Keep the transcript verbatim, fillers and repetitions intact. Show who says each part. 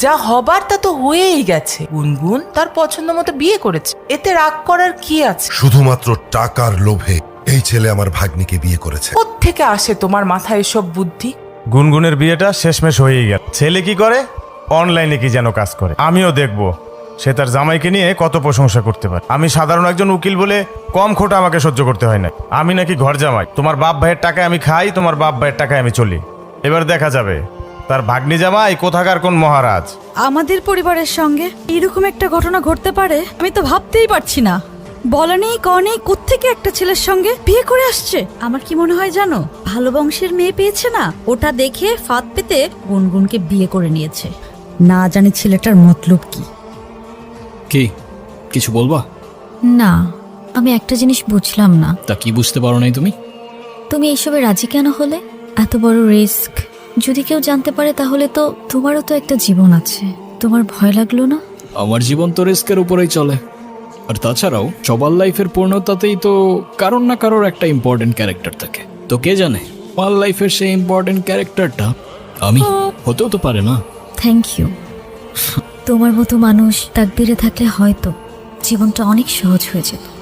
Speaker 1: যা হবার তা তো হয়েই গেছে। গুনগুন তার পছন্দ মতো বিয়ে করেছে, এতে রাগ করার কি আছে?
Speaker 2: শুধুমাত্র টাকার লোভে এই ছেলে আমার ভাগ্নিকে বিয়ে করেছে।
Speaker 1: কোত্থেকে আসে তোমার মাথায় এসব বুদ্ধি?
Speaker 3: গুনগুনের বিয়েটা শেষমেশ হয়েই গেল। ছেলে কি করে? অনলাইনে কি যেন কাজ করে। আমিও দেখবো সে তার জামাইকে নিয়ে কত প্রশংসা করতে পারে। আমি সাধারণ একজন উকিল বলে কম খোটা আমাকে সহ্য করতে হয় না। আমি নাকি ঘর জামাই, তোমার বাপ ভাইয়ের টাকায় আমি খাই, তোমার বাপ ভাইয়ের টাকায় আমি চলি। এবার দেখা যাবে তার ভাগ্নি জামাই কোথাকার কোন মহারাজ।
Speaker 4: আমাদের পরিবারের সঙ্গে এরকম একটা ঘটনা ঘটতে পারে আমি তো ভাবতেই পারছি না। বলা নেই ক নেই কোত্থেকে একটা ছেলের সঙ্গে বিয়ে করে আসছে। আমার কি মনে হয় জানো, ভালো বংশের মেয়ে পেয়েছে না, ওটা দেখে ফাঁদ পেতে গুনগুনকে বিয়ে করে নিয়েছে। না জানি ছেলেটার মতলব কি।
Speaker 5: কি কিছু বলবা?
Speaker 6: না, আমি একটা জিনিস বুঝলাম না।
Speaker 5: তা কি বুঝতে পারো নাই তুমি?
Speaker 6: তুমি এইসবে রাজি কেন হলে? এত বড় রিস্ক যদি কেউ জানতে পারে তাহলে তো তোমারও তো একটা জীবন আছে, তোমার ভয় লাগলো না?
Speaker 5: আমার জীবন তো রিস্কের উপরেই চলে। আর তাছাড়াও সবার লাইফের পূর্ণতাতেই তো কারোর না কারোর একটা ইম্পর্টেন্ট ক্যারেক্টার থাকে। তো কে জানে আমার লাইফের সেই ইম্পর্টেন্ট ক্যারেক্টারটা আমি হতেও তো পারে না।
Speaker 6: Thank you. তোমার মতো মানুষ তাকদিরে থাকলে হয়তো জীবনটা অনেক সহজ হয়ে যেত।